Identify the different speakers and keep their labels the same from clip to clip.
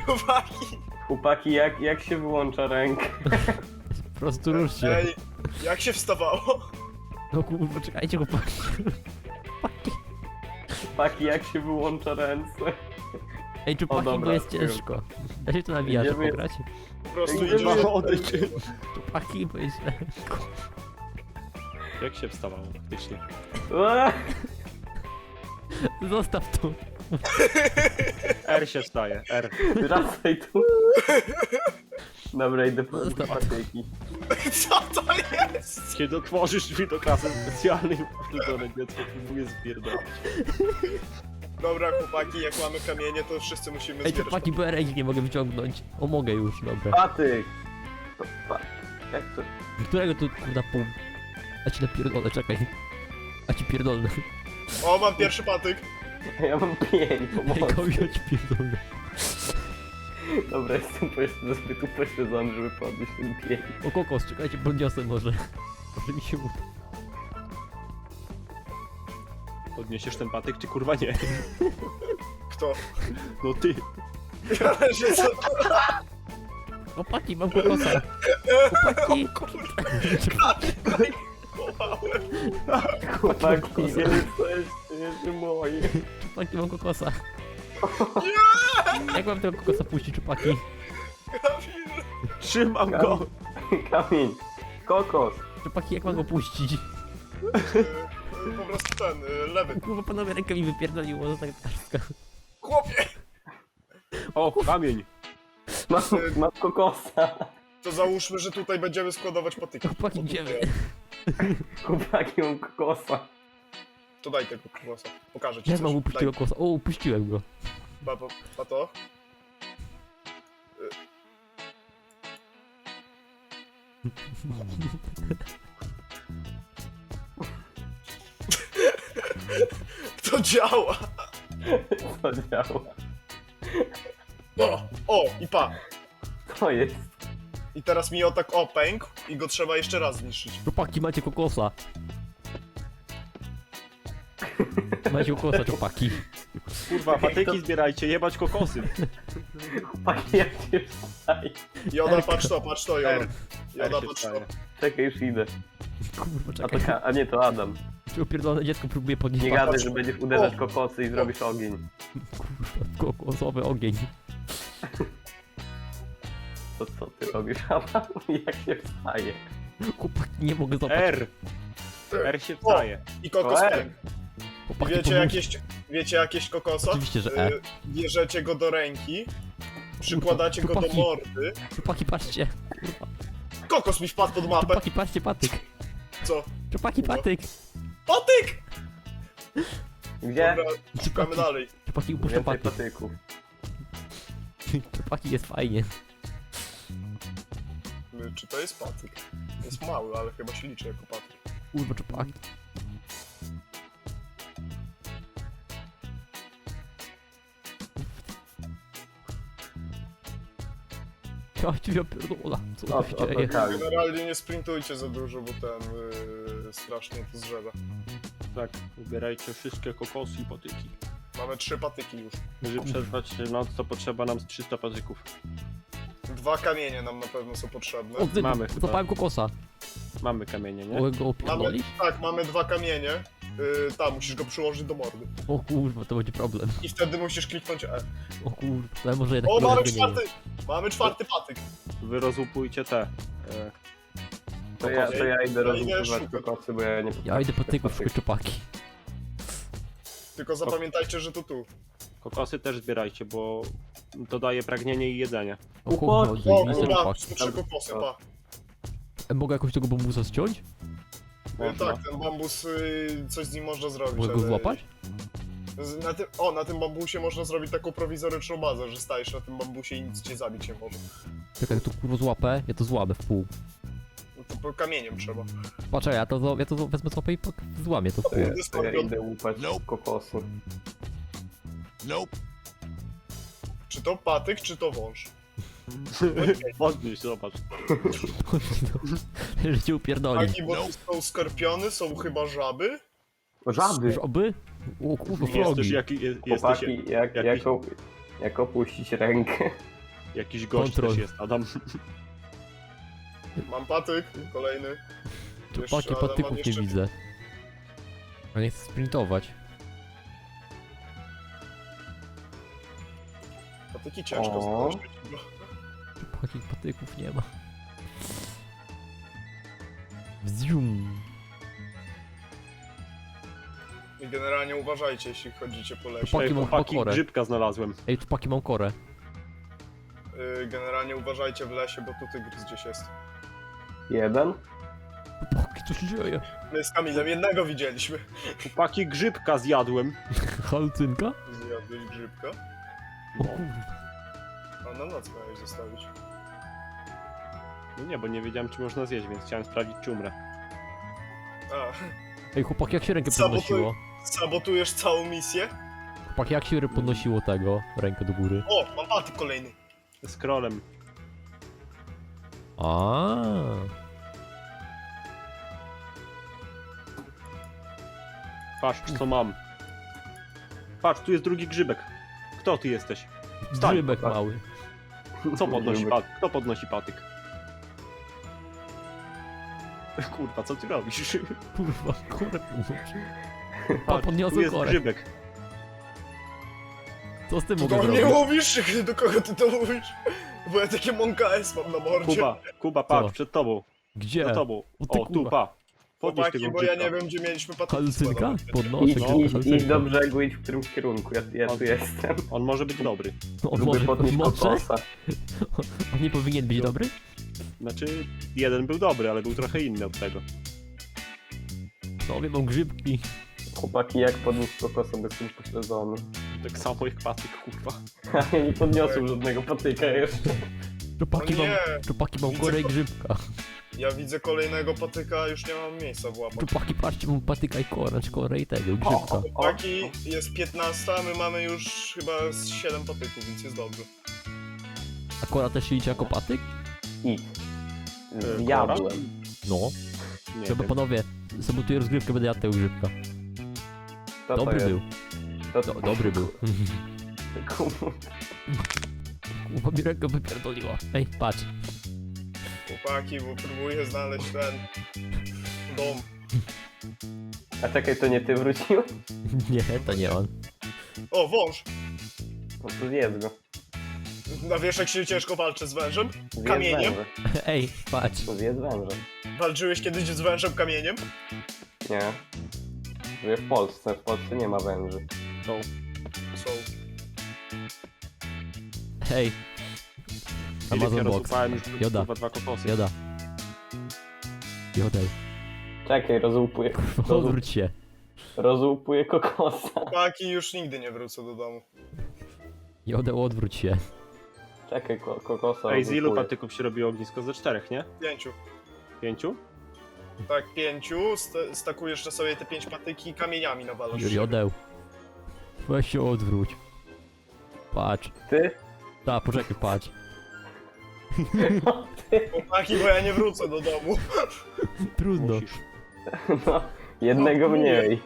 Speaker 1: Chłopaki!
Speaker 2: Chłopaki, jak się wyłącza rękę?
Speaker 3: Po prostu rusz się.
Speaker 1: Ej, jak się wstawało?
Speaker 3: No kurwa, czekajcie chłopaki.
Speaker 2: Chłopaki, jak się wyłącza ręce?
Speaker 3: Ej, czupaki, bo
Speaker 2: dobra,
Speaker 3: jest ciężko. Da się tu nawijacze
Speaker 2: Idziemy-
Speaker 3: pograć?
Speaker 1: Po prostu
Speaker 2: Ej,
Speaker 1: idziesz...
Speaker 2: odejdź.
Speaker 3: Czupaki, bo jest źle.
Speaker 4: Jak się wstawało faktycznie?
Speaker 3: Zostaw to.
Speaker 4: R się wstaje, R.
Speaker 2: Wracaj tu. Dobra, idę po
Speaker 3: Zostaw.
Speaker 2: patyki.
Speaker 1: Co to jest?
Speaker 4: Kiedy otworzysz drzwi do klasy specjalnej, wtedy dziecko próbuje zbierdolić.
Speaker 1: Dobra, chłopaki, jak mamy kamienie, to wszyscy musimy
Speaker 3: Ej,
Speaker 1: zbierać.
Speaker 3: czupaki, bo ręki nie mogę wyciągnąć. O, mogę już, dobra.
Speaker 2: Patyk! Jak to?
Speaker 3: Którego tu kurwa pół? A ci napierdolę, czekaj. A ci pierdolę.
Speaker 1: O, mam pierwszy patyk.
Speaker 2: Ja mam 5,
Speaker 3: Ej,
Speaker 2: pomocy.
Speaker 3: komi, a ci pierdolę.
Speaker 2: Dobra, jestem zbyt upośledzony, żeby podnieść ten 5.
Speaker 3: O, kokos, czekajcie, podniosę może. Może mi się uda.
Speaker 4: Podniesiesz ten patyk, czy kurwa nie?
Speaker 1: Kto?
Speaker 4: No ty.
Speaker 1: Ale że co?
Speaker 3: Chłopaki, mam kokosa. Chłopaki.
Speaker 1: Połałem.
Speaker 2: Chłopaki, nie jesteście moi.
Speaker 3: Czupaki, mam kokosa. Jak mam tego kokosa puścić, czupaki?
Speaker 1: Kamil.
Speaker 4: Trzymam go!
Speaker 2: Kamień. Kokos.
Speaker 3: Czupaki, jak mam go puścić?
Speaker 1: Po prostu ten, lewy.
Speaker 3: Kurwa, panowie, rękę mi wypierdoliło, za tak karzka.
Speaker 1: Chłopie!
Speaker 4: O, kamień!
Speaker 2: Mam kokosa.
Speaker 1: To załóżmy, że tutaj będziemy składować patyki.
Speaker 3: Chłopaki, gdzie wy?
Speaker 2: Chłopaki, mam kokosa.
Speaker 1: To daj tego kłosa. Pokażę ci
Speaker 3: Ja
Speaker 1: coś.
Speaker 3: mam upuścić tego kokosa. O, upuściłem go.
Speaker 1: Pa to. To działa!
Speaker 2: Co działa?
Speaker 1: O, i pa!
Speaker 2: To jest.
Speaker 1: I teraz mi o tak pękł i go trzeba jeszcze raz zniszczyć.
Speaker 3: Chłopaki, macie kokosa. Macie kokosa, czupaki.
Speaker 4: Kurwa, patyki zbierajcie, jebać kokosy.
Speaker 2: Chłopaki, jak się wstaje?
Speaker 1: Joda, patrz to, Joda.
Speaker 4: R.
Speaker 1: Joda,
Speaker 4: R się
Speaker 1: patrz to.
Speaker 4: wstaje.
Speaker 2: Czekaj, już idę.
Speaker 3: Kurwa,
Speaker 2: A,
Speaker 3: czekaj.
Speaker 2: a nie, to Adam.
Speaker 3: Czy upierdolone dziecko próbuje podnieść
Speaker 2: Nie
Speaker 3: patyk?
Speaker 2: gadaj, że będziesz uderzać kokosy i zrobisz ogień.
Speaker 3: Kurwa, kokosowy ogień.
Speaker 2: To co ty robisz, Adam? Jak się wstaje?
Speaker 3: Chłopaki, nie mogę złapać.
Speaker 4: R. R się wstaje.
Speaker 1: I kokos
Speaker 2: O,
Speaker 1: pękł.
Speaker 3: Chłopaki,
Speaker 1: Wiecie jakieś kokosa?
Speaker 3: Oczywiście, że E.
Speaker 1: Bierzecie go do ręki, przykładacie go do
Speaker 3: chłopaki.
Speaker 1: mordy.
Speaker 3: Czupaki, patrzcie. Kurwa.
Speaker 1: Kokos mi wpadł pod mapę.
Speaker 3: Czupaki, patrzcie, patyk.
Speaker 1: Co?
Speaker 3: Czupaki, patyk.
Speaker 1: Patyk!
Speaker 2: Gdzie?
Speaker 1: Dobra, szukamy dalej.
Speaker 3: Czupaki, upuszczą
Speaker 2: Więcej
Speaker 3: patyk.
Speaker 2: patyków.
Speaker 3: Czupaki, jest fajnie.
Speaker 1: Czy to jest patyk? Jest mały, ale chyba się liczy jako patyk.
Speaker 3: Kurwa, czupaki. Ja ci pierdolę, co
Speaker 2: O,
Speaker 3: tu się
Speaker 2: o,
Speaker 3: dzieje?
Speaker 2: tak.
Speaker 1: Generalnie nie sprintujcie za dużo, bo ten strasznie to zrzeda.
Speaker 4: Tak, zbierajcie wszystkie kokosy i patyki.
Speaker 1: Mamy 3 patyki już.
Speaker 4: Żeby przetrwać noc, to potrzeba nam z 300 patyków.
Speaker 1: 2 kamienie nam na pewno są potrzebne.
Speaker 3: O, ty,
Speaker 4: Mamy chyba.
Speaker 3: złapałem kokosa.
Speaker 4: Mamy kamienie, nie?
Speaker 3: Mogę go
Speaker 1: Mamy,
Speaker 3: opierdolić?
Speaker 1: tak, mamy 2 kamienie. Tam, musisz go przyłożyć do mordy.
Speaker 3: O kurwa, to będzie problem.
Speaker 1: I wtedy musisz kliknąć E.
Speaker 3: O kurwa, to ja może jednak
Speaker 1: O, mamy
Speaker 3: go nie wiem.
Speaker 1: 4! Mamy 4 patyk.
Speaker 4: Wy rozłupujcie te.
Speaker 2: To ja idę
Speaker 1: Ja idę
Speaker 2: rozbudować
Speaker 1: szukać.
Speaker 2: kokosy, bo ja nie
Speaker 3: Ja idę patyków, szukać czupaki.
Speaker 1: Tylko zapamiętajcie, że to tu.
Speaker 4: Kokosy też zbierajcie, bo to daje pragnienie i jedzenie.
Speaker 3: O kurwa,
Speaker 2: Chłopaki.
Speaker 1: O,
Speaker 3: zajebiste
Speaker 1: kurwa,
Speaker 3: czupaki.
Speaker 1: są 3 kokosy, pa.
Speaker 3: Mogę jakoś tego bambusa ściąć?
Speaker 4: Można.
Speaker 1: Tak, ten bambus, coś z nim można zrobić.
Speaker 3: Mogę go
Speaker 1: ale-
Speaker 3: złapać?
Speaker 1: Na tym bambusie można zrobić taką prowizoryczną bazę, że stajesz na tym bambusie i nic cię zabić nie może.
Speaker 3: Czekaj, jak to kurwa złapę, ja to złamę w pół.
Speaker 1: No to po kamieniem trzeba.
Speaker 3: Patrzaj, ja to wezmę złapę i złamię to w pół.
Speaker 2: To ja idę łupać kokosy.
Speaker 1: Czy to patyk, czy to wąż?
Speaker 4: Podnieś, zobacz.
Speaker 3: Że cię upierdoli.
Speaker 1: Taki, bo tu są skorpiony, są chyba żaby.
Speaker 2: Żaby!
Speaker 3: Żoby? O kurwa,
Speaker 4: Jesteś
Speaker 3: flogi.
Speaker 4: jaki, jesteś
Speaker 2: Chłopaki,
Speaker 4: jakiś-
Speaker 2: jak opuścić rękę?
Speaker 4: Jakiś gość
Speaker 3: Kontrol.
Speaker 4: też jest, Adam.
Speaker 1: Mam patyk, kolejny.
Speaker 3: Czupaki
Speaker 1: Jeszcze, ale
Speaker 3: patyków
Speaker 1: mam
Speaker 3: nie
Speaker 1: jeszcze-
Speaker 3: widzę. A nie chcę sprintować.
Speaker 1: Patyki ciężko
Speaker 2: O.
Speaker 1: znaleźć.
Speaker 3: Czupaki patyków nie ma. Wzium.
Speaker 1: I generalnie uważajcie, jeśli chodzicie po lesie.
Speaker 3: Chłopaki,
Speaker 4: Ej,
Speaker 3: mam
Speaker 4: chłopaki,
Speaker 3: pokorę.
Speaker 4: grzybka znalazłem.
Speaker 3: Ej, czupaki mam korę.
Speaker 1: Generalnie uważajcie w lesie, bo tu tygrys gdzieś jest.
Speaker 2: Jeden?
Speaker 3: Chłopaki, co się dzieje?
Speaker 1: My z Kamilem jednego widzieliśmy.
Speaker 4: Chłopaki, grzybka zjadłem.
Speaker 3: Halucynka?
Speaker 1: Zjadłeś grzybka?
Speaker 3: O kurwa.
Speaker 1: A na noc miałeś zostawić.
Speaker 4: No nie, bo nie wiedziałem, czy można zjeść, więc chciałem sprawdzić, czy umrę.
Speaker 1: A,
Speaker 3: Ej, chłopaki, jak się rękę
Speaker 1: Sabotuj-
Speaker 3: podnosiło?
Speaker 1: sabotujesz całą misję?
Speaker 3: Chłopaki, jak się podnosiło tego? Rękę do góry.
Speaker 1: O, mam patyk kolejny.
Speaker 4: Scrollem.
Speaker 3: A.
Speaker 4: Patrz, co mam. Patrz, tu jest drugi grzybek. Kto ty jesteś? Wstań.
Speaker 3: Grzybek mały.
Speaker 4: Co podnosi
Speaker 2: Grzybek.
Speaker 4: patyk? Kto podnosi patyk? Kurwa, co ty robisz?
Speaker 3: Kurwa, korę podnosi.
Speaker 4: Patrz, tu
Speaker 3: podniosłem
Speaker 4: jest
Speaker 3: korek.
Speaker 4: grzybek.
Speaker 3: Co z tym
Speaker 1: Do
Speaker 3: mogę
Speaker 1: mnie
Speaker 3: zrobić?
Speaker 1: mówisz? Do kogo ty to mówisz? Bo ja takie Monka S mam na mordzie.
Speaker 4: Kuba, patrz,
Speaker 3: Co?
Speaker 4: przed tobą.
Speaker 3: Gdzie?
Speaker 4: Za tobą.
Speaker 3: O ty
Speaker 4: O, tu,
Speaker 3: kurwa.
Speaker 4: pa. Podnieś
Speaker 1: Chłopaki,
Speaker 4: tego
Speaker 1: bo ja
Speaker 4: grzybka.
Speaker 1: nie wiem, gdzie mieliśmy patyki
Speaker 3: Halucynka?
Speaker 1: składować.
Speaker 3: Podnoszę
Speaker 2: Idź,
Speaker 3: grzybka,
Speaker 2: idź
Speaker 3: halucynka.
Speaker 2: do brzegu, idź w którymś kierunku, ja tu jestem.
Speaker 4: On może być dobry.
Speaker 3: On
Speaker 2: Lubię
Speaker 3: może,
Speaker 2: podnieść
Speaker 3: może?
Speaker 2: kokosa.
Speaker 3: On nie powinien być dobry?
Speaker 4: Znaczy, jeden był dobry, ale był trochę inny od tego.
Speaker 3: No, wiem, mam grzybki.
Speaker 2: Chłopaki, jak podnieść kokosa bez tym pośledzony.
Speaker 4: Tak samo jak patyk, kurwa.
Speaker 2: A ja nie podniosłem żadnego patyka jeszcze.
Speaker 3: Czupaki
Speaker 1: O
Speaker 3: mam,
Speaker 1: nie!
Speaker 3: czupaki mam
Speaker 1: Widzę
Speaker 3: korę i
Speaker 1: ko-
Speaker 3: grzybka.
Speaker 1: Ja widzę kolejnego patyka, już nie mam miejsca w łapach.
Speaker 3: Czupaki, patrzcie, mam patyka i korę, znaczy korę i tego, i grzybka.
Speaker 1: Chłopaki, jest 15, a my mamy już chyba z 7 patyków, więc jest dobrze.
Speaker 3: A kora też się liczy jako patyk?
Speaker 2: Idź.
Speaker 4: Kora?
Speaker 2: Zjadłem.
Speaker 3: No.
Speaker 4: Nie
Speaker 3: Trzeba,
Speaker 4: wiem.
Speaker 3: panowie, sabotuję rozgrywkę, będę jadł tego grzybka.
Speaker 2: Co to
Speaker 3: Dobry
Speaker 2: jest?
Speaker 3: był.
Speaker 2: To,
Speaker 3: Dobry był.
Speaker 2: Kurwa.
Speaker 3: Kurwa mi rękę wypierdoliła. Ej, patrz.
Speaker 1: Chłopaki, bo próbuję znaleźć ten dom.
Speaker 2: A czekaj, to nie ty wróciłeś?
Speaker 3: Nie, to nie on.
Speaker 1: O, wąż!
Speaker 2: No to zjedz go.
Speaker 1: A wiesz, jak się ciężko walczy z wężem?
Speaker 2: Zjedz
Speaker 1: Kamieniem?
Speaker 2: węża.
Speaker 3: Ej, patrz.
Speaker 2: No zjedz węża.
Speaker 1: Walczyłeś kiedyś z wężem kamieniem?
Speaker 2: Nie. Żyję w Polsce nie ma węży.
Speaker 1: Są.
Speaker 3: Hej.
Speaker 4: Filip, ja
Speaker 3: Amazon Box.
Speaker 4: rozłupałem już
Speaker 3: Joda.
Speaker 4: kurwa 2 kokosy.
Speaker 3: Joda. Jodel.
Speaker 2: Czekaj, rozłupuję.
Speaker 3: Odwróć się.
Speaker 2: Rozłupuję kokosa.
Speaker 1: Chłopaki, już nigdy nie wrócę do domu.
Speaker 3: Jodel, odwróć się.
Speaker 2: Czekaj, kokosa
Speaker 4: Ej, z ilu
Speaker 2: rozłupuję.
Speaker 4: patyków się robiło ognisko? Ze 4, nie?
Speaker 1: 5.
Speaker 4: 5?
Speaker 1: Tak, 5. Stakujesz na sobie te 5 patyki i kamieniami nawalasz.
Speaker 3: Jodeł. Weź się odwróć. Patrz.
Speaker 2: Ty?
Speaker 3: Ta, poczekaj, patrz.
Speaker 1: Chłopaki, bo ja nie wrócę do domu.
Speaker 3: Trudno.
Speaker 4: Musisz.
Speaker 2: No, jednego
Speaker 1: No, mówię.
Speaker 2: mniej.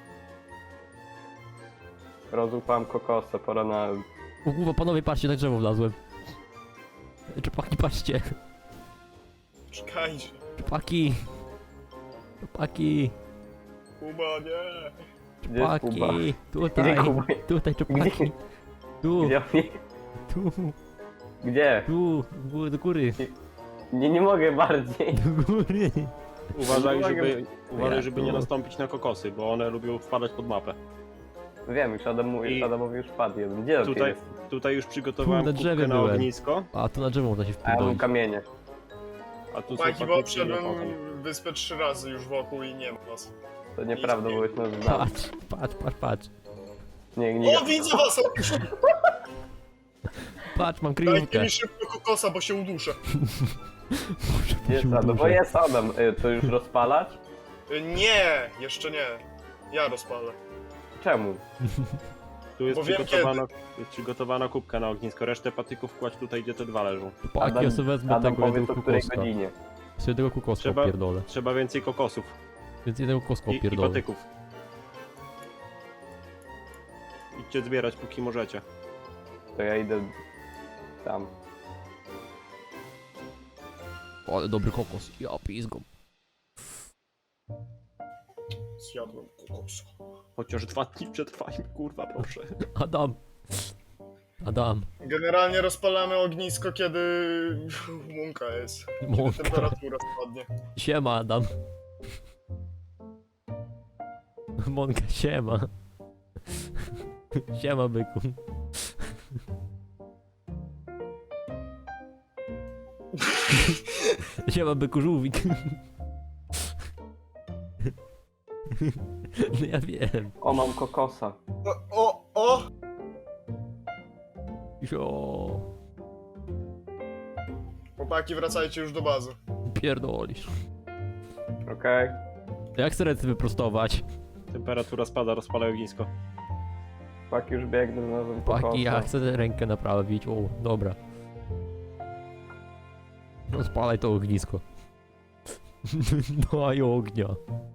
Speaker 2: Rozłupałem kokosa, pora na...
Speaker 3: O kurwa, panowie, patrzcie, na drzewo wlazłem. Czupaki, patrzcie.
Speaker 1: Czekajcie.
Speaker 3: Czupaki. Czupaki.
Speaker 1: Kuba, nie.
Speaker 2: Gdzie jest Kuba?
Speaker 3: Czupaki. Tutaj.
Speaker 2: Gdzie Kuba?
Speaker 3: Tutaj, czupaki.
Speaker 2: Gdzie?
Speaker 3: Tu,
Speaker 2: Gdzie?
Speaker 3: tu,
Speaker 2: Gdzie?
Speaker 3: tu. Do góry.
Speaker 2: Nie mogę bardziej.
Speaker 3: Do góry.
Speaker 4: Uważaj, żeby nie nastąpić na kokosy, bo one lubią wpadać pod mapę.
Speaker 2: Wiem, już
Speaker 4: I-
Speaker 2: Adamowi już padł jeden. Gdzie
Speaker 4: Tutaj,
Speaker 2: jest?
Speaker 4: tutaj już przygotowałem
Speaker 3: Tu na drzewie
Speaker 4: kubkę na
Speaker 3: byłem.
Speaker 4: ognisko,
Speaker 3: A, tu na drzewo można się
Speaker 2: A ja mam
Speaker 3: wpierdolić.
Speaker 2: kamienie.
Speaker 4: a tu są
Speaker 1: Chłopaki, bo
Speaker 4: patyki i
Speaker 1: obszedłem
Speaker 4: alkohol.
Speaker 1: wyspę 3 razy już wokół i nie ma was.
Speaker 2: To nieprawda, byłeś na znam.
Speaker 3: Patrz.
Speaker 2: Nie.
Speaker 1: O, widzę was!
Speaker 3: Patrz, mam
Speaker 1: Dajcie
Speaker 3: kryjówkę.
Speaker 1: mi szybko kokosa, bo się uduszę.
Speaker 2: Gdzie jest Adam? Bo jest Adam. To już rozpalać?
Speaker 1: Nie, jeszcze nie. Ja rozpalę.
Speaker 2: Czemu?
Speaker 4: Tu jest
Speaker 1: Bo wiem
Speaker 4: przygotowana kubka na ognisko, resztę patyków kładź tutaj, gdzie te 2 leżą.
Speaker 3: Paki, ja sobie wezmę
Speaker 2: Adam
Speaker 3: tego
Speaker 2: powiedz
Speaker 3: jednego
Speaker 2: o której
Speaker 3: kukoska.
Speaker 2: godzinie.
Speaker 3: Sobie tego kukoska
Speaker 4: Trzeba-
Speaker 3: opierdolę.
Speaker 4: Trzeba więcej kokosów
Speaker 3: Więc jednego kukoska
Speaker 4: i
Speaker 3: opierdolę.
Speaker 4: patyków. Idźcie zbierać, póki możecie.
Speaker 2: To ja idę tam.
Speaker 3: Ale dobry kokos. Ja pizgą.
Speaker 1: Zjadłem kokosa.
Speaker 4: Chociaż 2 dni przetrwajmy, kurwa, proszę.
Speaker 3: Adam. Adam.
Speaker 1: Generalnie rozpalamy ognisko, kiedy mąka jest. Kiedy
Speaker 3: Mąka.
Speaker 1: temperatura spadnie.
Speaker 3: Siema, Adam. Monka, siema. Siema, byku. Siema, byku, żółwik. No ja wiem.
Speaker 2: O, mam kokosa.
Speaker 1: O!
Speaker 3: Jo,
Speaker 1: Chłopaki, wracajcie już do bazy.
Speaker 3: pierdolisz.
Speaker 2: Okej.
Speaker 3: Jak chcę ręce wyprostować?
Speaker 4: Temperatura spada, rozpalaj ognisko.
Speaker 2: Pak już biegnę, znalazłem kokosa.
Speaker 3: Paki, ja chcę rękę naprawić. O, dobra. No spalaj to ognisko. Daj ognia.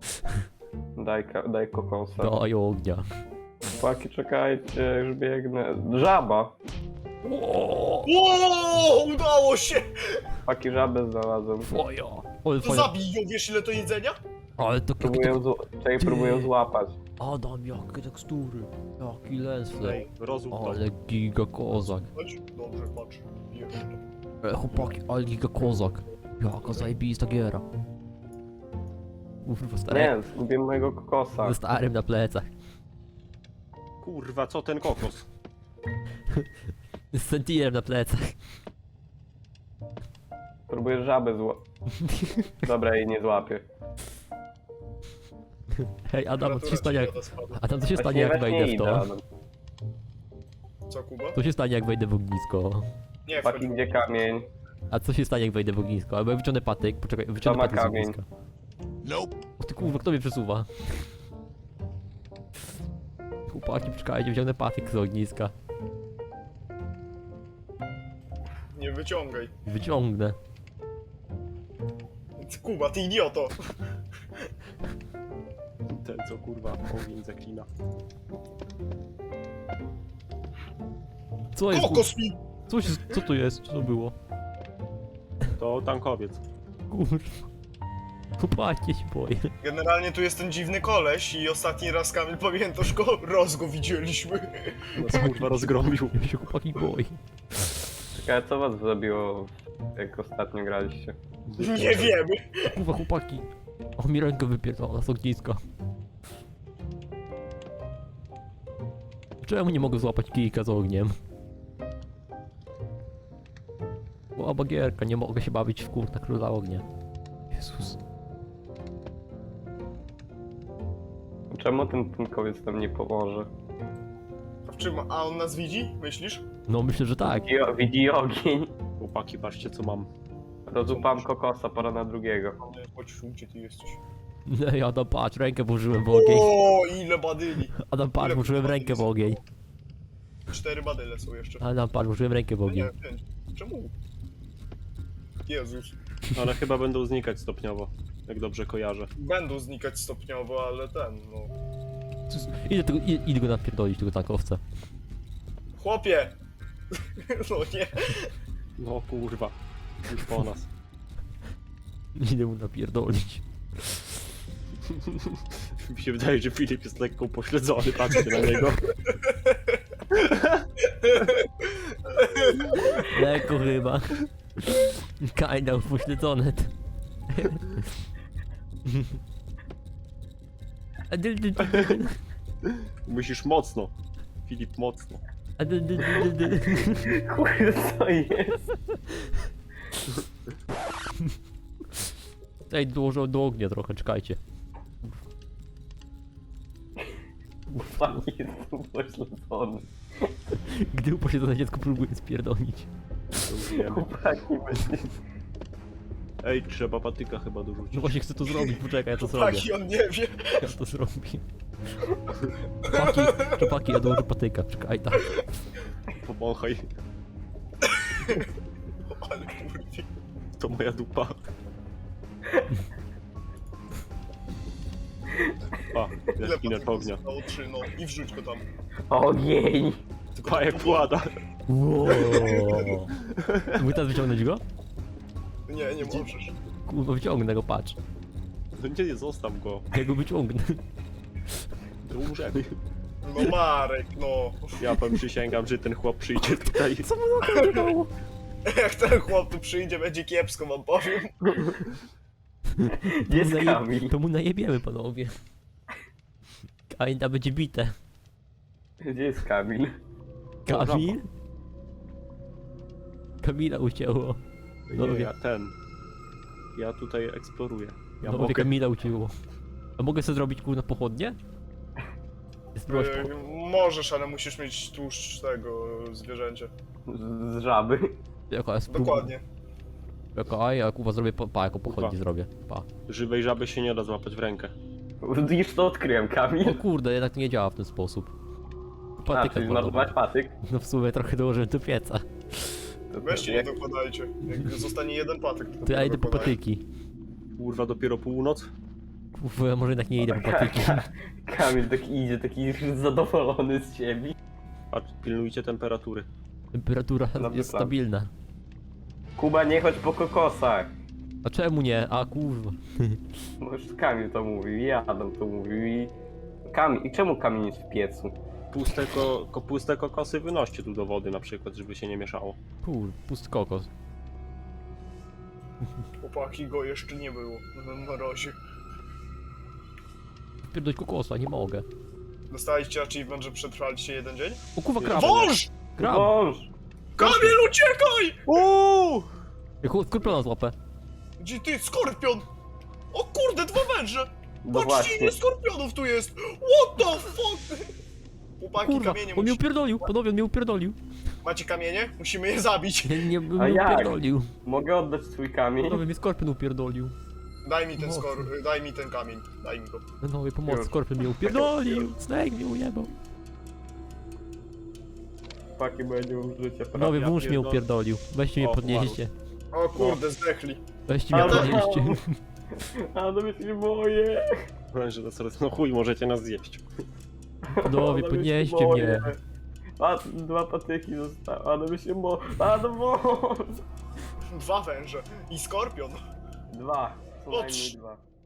Speaker 2: Daj kokosa.
Speaker 3: Daj ognia.
Speaker 2: Paki, czekajcie, już biegnę. Żaba!
Speaker 3: O,
Speaker 1: O! Udało się!
Speaker 2: Paki, żabę znalazłem.
Speaker 3: twoja. Ale
Speaker 1: To
Speaker 3: fajna.
Speaker 1: zabij ją, wiesz ile to jedzenia?
Speaker 3: Ale to
Speaker 2: Próbuję złapać.
Speaker 3: Adam, jakie tekstury. Jaki lesle.
Speaker 4: Ej, rozum to.
Speaker 3: Ale giga kozak.
Speaker 1: Chodź, dobrze, patrz. Bierz to.
Speaker 3: Chłopaki, ale giga kozak. Jaka zajebista giera. Kurwa, stary.
Speaker 2: Nie, zgubiłem mojego kokosa.
Speaker 3: Ze starym na plecach.
Speaker 4: Kurwa, co ten kokos?
Speaker 3: Z sentinelem na plecach.
Speaker 2: Próbuję żabę Dobra, jej nie złapię.
Speaker 3: Hej, Adam, co się
Speaker 1: Temperatura
Speaker 3: stanie jak...
Speaker 1: świata spada.
Speaker 3: Adam, co się stanie
Speaker 2: Właśnie
Speaker 3: jak
Speaker 2: właśnie
Speaker 3: wejdę w
Speaker 2: idę,
Speaker 3: to?
Speaker 2: Adam.
Speaker 1: Co, Kuba?
Speaker 3: Co się stanie jak wejdę w ognisko?
Speaker 1: Nie,
Speaker 2: Paki,
Speaker 1: wchodź.
Speaker 2: gdzie kamień?
Speaker 3: A co się stanie jak wejdę w ognisko? Albo ja wyciągnę patyk, poczekaj, wyciągnę
Speaker 2: ma
Speaker 3: patyk z
Speaker 2: kamień?
Speaker 3: ogniska. O ty kurwa, kto mnie przesuwa? Chłopaki, poczekajcie, wyciągnę patyk z ogniska.
Speaker 1: Nie wyciągaj.
Speaker 3: Wyciągnę.
Speaker 1: Kuba, ty idioto!
Speaker 4: Ten co kurwa ogień zaklina.
Speaker 3: Co jest?
Speaker 1: Kokos mi!
Speaker 3: Co to jest? Co to było?
Speaker 4: To tankowiec.
Speaker 3: Kurwa. Chłopaki, się boję.
Speaker 1: Generalnie tu jest ten dziwny koleś i ostatni raz, Kamil, pamiętasz go? Go widzieliśmy.
Speaker 4: Nas kurwa rozgromił.
Speaker 3: Ja się chłopaki boi.
Speaker 2: Czekaj, co was zabiło, jak ostatnio graliście?
Speaker 1: Nie wiemy.
Speaker 3: Kurwa, chłopaki. O, mi rękę wypierdala z ogniska. Czemu nie mogę złapać kijka z ogniem? Była bagierka, nie mogę się bawić w kurta króla ognia. Jezus.
Speaker 2: Czemu ten tankowiec nam nie pomoże?
Speaker 1: A w czym? A on nas widzi? Myślisz?
Speaker 3: No myślę, że tak.
Speaker 2: Widzi ogień.
Speaker 4: Chłopaki, patrzcie co mam.
Speaker 2: Rozupam kokosa, pora na drugiego.
Speaker 1: Nie, chodź, gdzie ty jesteś?
Speaker 3: Ej, Adam, patrz, rękę włożyłem w ogień.
Speaker 1: O, ile badyli!
Speaker 3: Adam, patrz,
Speaker 1: ile
Speaker 3: włożyłem
Speaker 1: kurwa
Speaker 3: rękę w
Speaker 1: jest?
Speaker 3: ogień.
Speaker 1: 4 badyle są jeszcze.
Speaker 3: Adam, patrz, włożyłem rękę w ogień.
Speaker 1: Nie, 5. Czemu? Jezus.
Speaker 4: Ale chyba będą znikać stopniowo. Jak dobrze kojarzę.
Speaker 1: Będą znikać stopniowo, ale no...
Speaker 3: Idę go napierdolić, tego tankowca.
Speaker 1: Chłopie! No nie.
Speaker 4: No kurwa. Już po nas.
Speaker 3: Idę mu napierdolić.
Speaker 4: Mi się wydaje, że Filip jest lekko upośledzony, patrzcie na niego.
Speaker 3: Lekko chyba. Kinda upośledzone.
Speaker 4: Musisz mocno. Filip, mocno.
Speaker 2: Kurde, co jest?
Speaker 3: Ej, dołożę do ognia trochę, czekajcie.
Speaker 2: Paki jest upośledzony.
Speaker 3: Gdy upośledzone dziecko próbuje spierdolić.
Speaker 4: Wiemy.
Speaker 2: Chłopaki, będzie...
Speaker 4: Ej, trzeba patyka chyba
Speaker 3: No
Speaker 4: dorzucić.
Speaker 3: właśnie chcę to zrobić, poczekaj, ja to zrobię.
Speaker 1: Taki on nie wie.
Speaker 3: Ja to zrobię. Chłopaki, ja dołożę patyka, czekaj, tak.
Speaker 4: Powąchaj.
Speaker 1: Ale kurwa.
Speaker 4: To moja dupa. Pa,
Speaker 1: Ile
Speaker 4: jaskiner
Speaker 1: patyków
Speaker 4: ognia.
Speaker 1: zostało? 3, no. I wrzuć go tam.
Speaker 2: Ogień!
Speaker 1: Tylko
Speaker 4: Pa, jak
Speaker 1: tak
Speaker 4: płada.
Speaker 3: Wow. Mógł teraz wyciągnąć go?
Speaker 1: Nie, nie możesz.
Speaker 3: Kurwa, wyciągnę go, patrz.
Speaker 4: No nie, zostaw go.
Speaker 3: Ja go wyciągnę.
Speaker 4: To umrzemy.
Speaker 1: No Marek, no.
Speaker 4: Ja wam przysięgam, że ten chłop przyjdzie tutaj.
Speaker 3: Co mu na to biegało?
Speaker 1: Jak ten chłop tu przyjdzie, będzie kiepsko, wam powiem.
Speaker 2: Gdzie jest Kamil?
Speaker 3: To mu najebiemy, panowie. Kainda będzie bite.
Speaker 2: Gdzie jest Kamil?
Speaker 3: Kamil? Kamila ucięło.
Speaker 4: Nie, ja tutaj eksploruję. Ja
Speaker 3: No,
Speaker 4: mogę.
Speaker 3: Kamila ucięło. A mogę sobie zrobić kurna pochodnie? Spróbować
Speaker 1: Możesz, ale musisz mieć tłuszcz tego zwierzęcia.
Speaker 2: Z żaby.
Speaker 3: Jaka jest próba?
Speaker 1: Dokładnie.
Speaker 3: Jaka, ja kurwa zrobię jako pochodnie
Speaker 4: Kurwa.
Speaker 3: zrobię. Pa.
Speaker 4: Żywej żaby się nie da złapać w rękę.
Speaker 2: Już to odkryłem,
Speaker 3: O
Speaker 2: Kamil.
Speaker 3: kurde, jednak to nie działa w ten sposób.
Speaker 2: A,
Speaker 3: Patyka
Speaker 2: czyli
Speaker 3: kurwa.
Speaker 2: zmarnować patyk.
Speaker 3: No w sumie trochę dołożyłem do pieca.
Speaker 2: To
Speaker 1: Weźcie, nie
Speaker 2: jak-
Speaker 1: dokładajcie. Jak zostanie jeden patyk, to
Speaker 3: To ja idę po
Speaker 1: dokładaj.
Speaker 3: patyki.
Speaker 4: Kurwa, dopiero północ?
Speaker 3: Kurwa, może jednak nie idę po patyki.
Speaker 2: Kamil taki idzie, taki zadowolony z siebie.
Speaker 4: Patrz, pilnujcie temperatury.
Speaker 3: Temperatura
Speaker 2: Dobry
Speaker 3: jest
Speaker 2: plan.
Speaker 3: stabilna.
Speaker 2: Kuba, nie chodź po kokosach.
Speaker 3: A czemu nie? A kurwa.
Speaker 2: No już Kamil to mówił, i Adam to mówił i... Kamil, i czemu Kamil jest w piecu?
Speaker 4: Puste kokosy wynoście tu do wody na przykład, żeby się nie mieszało.
Speaker 3: Kur, pusty kokos.
Speaker 1: Chłopaki, go jeszcze nie było na razie.
Speaker 3: Pierdolć kokosa, nie mogę.
Speaker 1: Dostaliście achievement, że przetrwaliście jeden dzień?
Speaker 3: O kurwa, krab!
Speaker 1: Wąż!
Speaker 3: Krab!
Speaker 2: Wąż!
Speaker 1: Kamil, uciekaj!
Speaker 4: Uuu!
Speaker 3: Skorpiona złapę.
Speaker 1: Gdzie ty, skorpion? O kurde, dwa węże!
Speaker 2: No
Speaker 1: Patrzcie,
Speaker 2: właśnie.
Speaker 1: ile skorpionów tu jest! What the fuck? Chłopaki,
Speaker 3: Kurwa,
Speaker 1: kamienie
Speaker 3: on mnie
Speaker 1: musi...
Speaker 3: upierdolił, panowie, on mnie upierdolił.
Speaker 1: Macie kamienie? Musimy je zabić.
Speaker 3: Nie, on
Speaker 2: A
Speaker 3: mnie
Speaker 2: jak?
Speaker 3: upierdolił.
Speaker 2: Mogę oddać swój kamień?
Speaker 3: Panowie, mnie skorpion upierdolił.
Speaker 1: Daj mi ten kamień. Daj mi go.
Speaker 3: Panowie, pomoc,
Speaker 2: Już.
Speaker 3: skorpion mnie upierdolił. Snake mnie ujebał.
Speaker 2: Chłopaki, bo ja nie mam życia.
Speaker 3: Panowie,
Speaker 4: ja
Speaker 3: wąż mnie
Speaker 4: pierdolę.
Speaker 3: upierdolił. Weźcie mnie
Speaker 4: O,
Speaker 3: podnieście.
Speaker 1: O kurde, zdechli.
Speaker 3: Weźcie mnie
Speaker 2: Ale-
Speaker 3: podnieście.
Speaker 2: A no się nie boję.
Speaker 4: Że to sorry, no chuj, możecie nas zjeść.
Speaker 3: Panowie,
Speaker 2: Adam,
Speaker 3: podnieście
Speaker 2: się
Speaker 3: mnie.
Speaker 2: boję. A, dwa patyki zostały, a no się boję. A no wąż!
Speaker 1: Dwa węże. I skorpion.
Speaker 2: Dwa, co
Speaker 1: O,
Speaker 2: najmniej
Speaker 1: trz-
Speaker 2: dwa.